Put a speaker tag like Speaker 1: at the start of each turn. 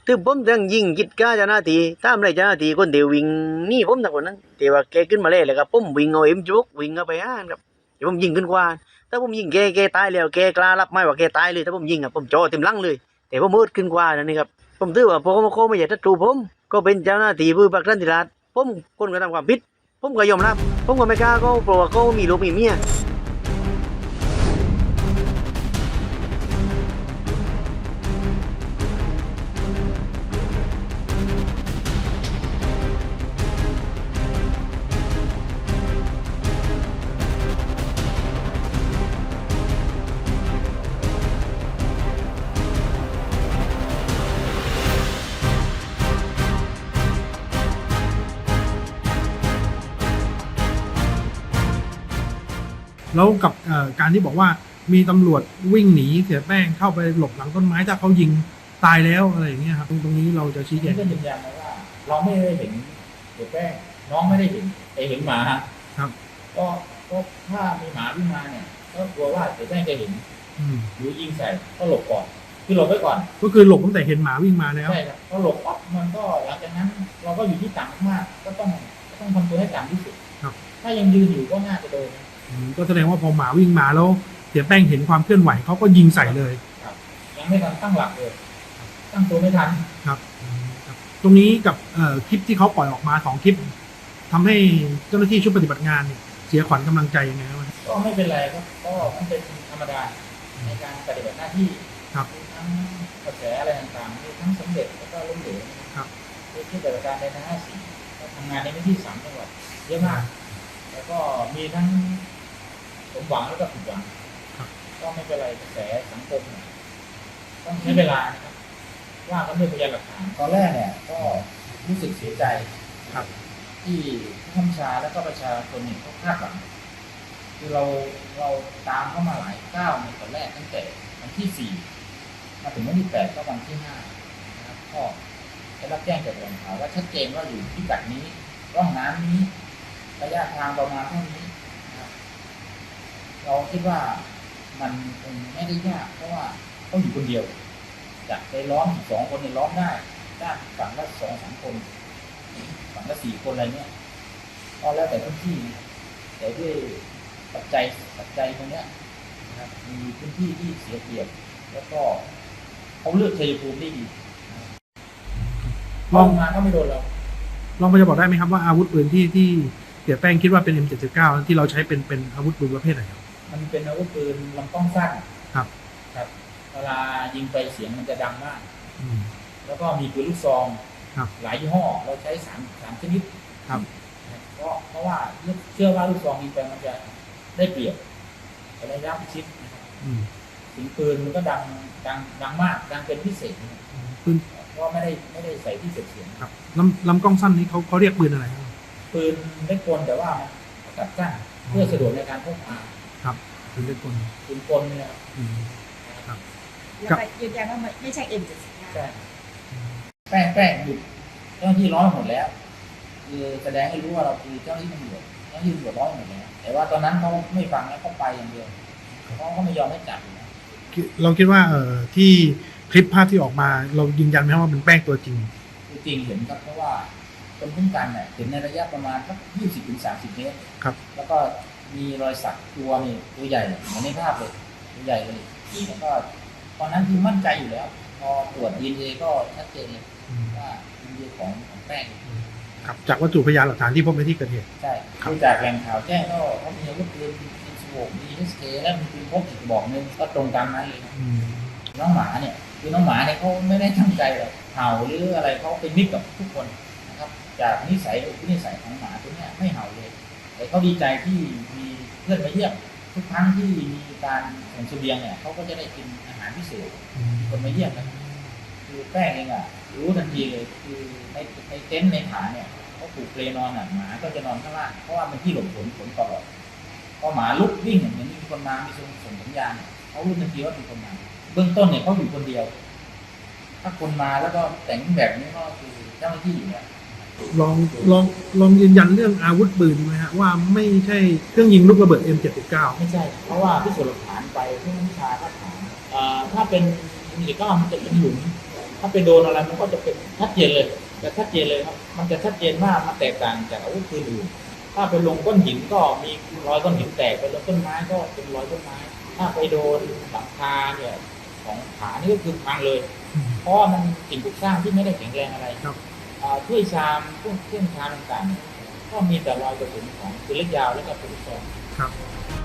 Speaker 1: ถึงผมยังยิงกิดก้าเจ้าหน้าที่ตามไรเจ้าหน้าที่คนเดียววิ่งหนี่ผมทั้งคนนั้นแต่ว่าแกขึ้นมาเลยแล้วก็ผมวิ่งเอาเอ็มจุกวิ่งเข้าไปอ่านครับแต่ผมยิงขึ้นกว่าถ้าผมยิงแกตายแล้วแกกล้ารับไหมว่าแกตายเลยถ้าผมยิงอ่ะผมจ่อเต็มหลังเลยแต่ผมมืดขึ้นกว่านั่นนี่ครับผมถือว่าพอเขาไม่อยากจะจูผมก็เป็นเจ้าหน้าที่ผู้บักรันติราชผมคนกระทำความผิดผมก็ยอมรับผมก็ไม่กล้าเขาเพราะว่าเขามีลูกมีเมีย
Speaker 2: แล้วกับการที่บอกว่ามีตำรวจวิ่งหนีเสียแป้งเข้าไปหลบหลังต้นไม้ถ้าเขายิงตายแล้วอะไรอย่างเงี้ยครับตรงนี้เราจะชี้แจง
Speaker 3: ก็ยืนยันนะว่าเราไม่ได้เห็นเสียแป้งน้องไม่ได้เห็นเห็นหมา
Speaker 2: ครับ
Speaker 3: ก็ถ้ามีหมาวิ่งมาเนี่ยก็กลัวว่าเสียแป้งจะเห็นหรือยิงใส่ก็หลบก่อนคือหลบไว้ก่อน
Speaker 2: ก็คือหลบตั้งแต่เห็นหมาวิ่งมาแล้ว
Speaker 3: ใช่ครับก็หลบปั๊บมันก็หลังจากนั้นเราก็อยู่ที่ต่ำมากก็ต้องทำตัวให้ต่ำที่สุดถ้ายังยืนอยู่ก็น่าจะโดน
Speaker 2: ก็แสดงว่าพอหมาวิ่งมาแล้วเสียแป้งเห็นความเคลื่อนไหวเขาก็ยิงใส่เลย
Speaker 3: ครับยังไม่ทันตั้งหลักเลยตั้งตัวไม่ทัน
Speaker 2: ครับตรงนี้กับคลิปที่เขาปล่อยออกมา2 คลิปทำให้เจ้าหน้าที่ชุดปฏิบัติงานเนี่ยเสียขวัญกำลังใจยังไงครับ
Speaker 3: ก็ไม่เป็นไรครับก็มันเป็นธรรมดาในการปฏิบัติหน้าที่
Speaker 2: ครับ
Speaker 3: ทั้งกระแสอะไรต่างๆมีทั้งสำเร็จแล้วก็ล้มเหลว
Speaker 2: ครับ
Speaker 3: ที่ปฏิบัติการในทั้ง54ก็ทำงานในพื้นที่3 จังหวัดเยอะมากแล้วก็มีทั้งสมหวังแล้วก็ผิดหวังก็ไม่เป็นไรกระแสสังคมต้องใช้เวลานะครับว่ากันด้วยพยานหลักฐานตอนแรกเนี่ยก็รู้สึกเสียใจ
Speaker 2: ครับ
Speaker 3: ที่ผู้บัญชาและก็ประชาชนเขาคาดหวังคือเราตามเข้ามาหลายก้าวในตอนแรกตั้งแต่วันที่4มาถึงวันที่8ก็วันที่5นะครับก็ได้รับแจ้งจากแหล่งข่าวว่าชัดเจนว่าอยู่ที่กัดนี้ร่องน้ำนี้ระยะทางประมาณเท่านี้นะครับเราคิดว่ามันคงไม่ได้ยากเพราะว่าเขาอยู่คนเดียวจะไปล้อม2 คนเนี่ยล้อมได้ด้านฝั่งละ2-3 คนฝั่งละ4 คนอะไรเนี่ยก็แล้วแต่พื้นที่แต่ด้วยปัจจัยตรงนี้นะครับมีพื้นที่ที่เสียเปรียบแล้วก็เขาเลือกชัยภูมิได้ดีลองมาก็ไม่โดนเรา
Speaker 2: ลองจะบอกได้ไหมครับว่าอาวุธปืนที่เสียแป้งคิดว่าเป็น M79 ที่เราใช้เป็นอาวุธปืนประเภทไหนครับ
Speaker 3: มันเป็นอาวุธปืนลำกล้องสั้น
Speaker 2: ครับ
Speaker 3: เวลายิงไปเสียงมันจะดังมากแล้วก็มีปืนลูกซองหลายยี่ห้อเราใช้3 ชนิด
Speaker 2: ครับ
Speaker 3: เพราะว่าเชื่อว่าลูกซองยิงไปมันจะได้เปรียบระยะประชิดเสียงปืนมันก็ดังมากดังเป็นพิเศษ
Speaker 2: ปืน
Speaker 3: ก็ไม่ได้ใส่ที่เสียง
Speaker 2: ครับลำกล้องสั้นนี้เขาเรียกปืนอะไรครับ
Speaker 3: ปืนเล็กกลแต่ว่าตัดสั้นเพื่อสะดวกในการพกพา
Speaker 2: ครับปืนเล็กกล
Speaker 3: เนี่ย
Speaker 4: ครับแล้วไปยืนยันว่าไม่ใช่ M79
Speaker 3: ใช่แป้งหยุดเจ้าหน้าที่ร้อยหมดแล้วคือแสดงให้รู้ว่าเราคือเจ้าหน้าที่ตำรวจร้อยหมดแล้วแต่ว่าตอนนั้นเขาไม่ฟังแล้วเขาไปอย่างเดียวเขาไม่ยอมให้จับ
Speaker 2: เราคิดว่าที่คลิปภาพที่ออกมาเรายืนยันไหมว่าเป็นแป้งตัวจริง
Speaker 3: เห็นครับเพราะว่าคนคุ้มกันเนี่ยเห็นในระยะประมาณสัก20-30 เมตร
Speaker 2: ครับ
Speaker 3: แล้วก็มีรอยสักตัวนี่ตัวใหญ่เหมือนในภาพเลยตัวใหญ่เลยแล้วก็ตอนนั้นคือมั่นใจอยู่แล้วพอตรวจ DNA ก็ชัดเจนเลยว่า DNA ของแป้ง
Speaker 2: ครับจากวัตถุพยานหลักฐานที่พบในที่เกิดเหตุ
Speaker 3: ใช่ดูจากแหล่งข่าวแจ้งก็เขามีอาวุธปืนมี SK และมีปืนพกอีกบอกนึงก็ตรงตามนั้นเลยน้องหมาเนี่ยคือน้องหมาเนี่ยเขาไม่ได้ตั้งใจหรอกเห่าหรืออะไรเขาเป็นมิตรกับทุกคนนะครับจากนิสัยของหมาตัวนี้ไม่เห่าเลยแต่เขาดีใจที่มีเพื่อนมาเยี่ยมทุกครั้งที่มีการส่งเสบียงเนี่ยเขาก็จะได้กินอาหารพิเศษคนมาเยี่ยมกันคือแป้งเองรู้ทันทีเลยคือในเต็นท์ในฐานเนี่ยเขาปลูกเปลนอนหมาก็จะนอนข้างล่างเพราะว่ามันที่หลบฝนตลอดพอหมาลุกวิ่งเหมือนมีคนมามีส่งสัญญาณเขารู้ทันทีว่าเป็นคนมาเบื้องต้นเนี่ยเขาอยู่คนเดียวถ้าคนมาแล้วก็แต่งแบบนี้ก็คือเจ้าหน้าที่อยู่เนี่ย
Speaker 2: ลองยืนยันเรื่องอาวุธปืนไหมฮะว่าไม่ใช่เครื่องยิงลูกระเบิด M79
Speaker 3: ไม่ใช่เพราะว่าพิสูจน์หลักฐานไปที่วิชาก็ถามถ้าเป็นM79มันจะเป็นหลุมถ้าไปโดนอะไรมันก็จะเป็นชัดเจนเลยจะชัดเจนเลยครับมันจะชัดเจนว่ามันแตกต่างจากอาวุธปืนอื่นถ้าไปลงก้อนหินก็มีรอยก้อนหินแตกไปลงต้นไม้ก็เป็นรอยต้นไม้ถ้าไปโดนหลังคาเนี่ยของผานี่ก็คือพังเลย เพราะว่ามันสิ่งปลูกสร้างที่ไม่ได้แข็งแรงอะไร
Speaker 2: ครับ
Speaker 3: ถ้วยชามเครื่องชามต่างๆก็มีแต่รอยกระสุนของปืนเล็กยาวและก็ปืนลูกซอง
Speaker 2: ครับ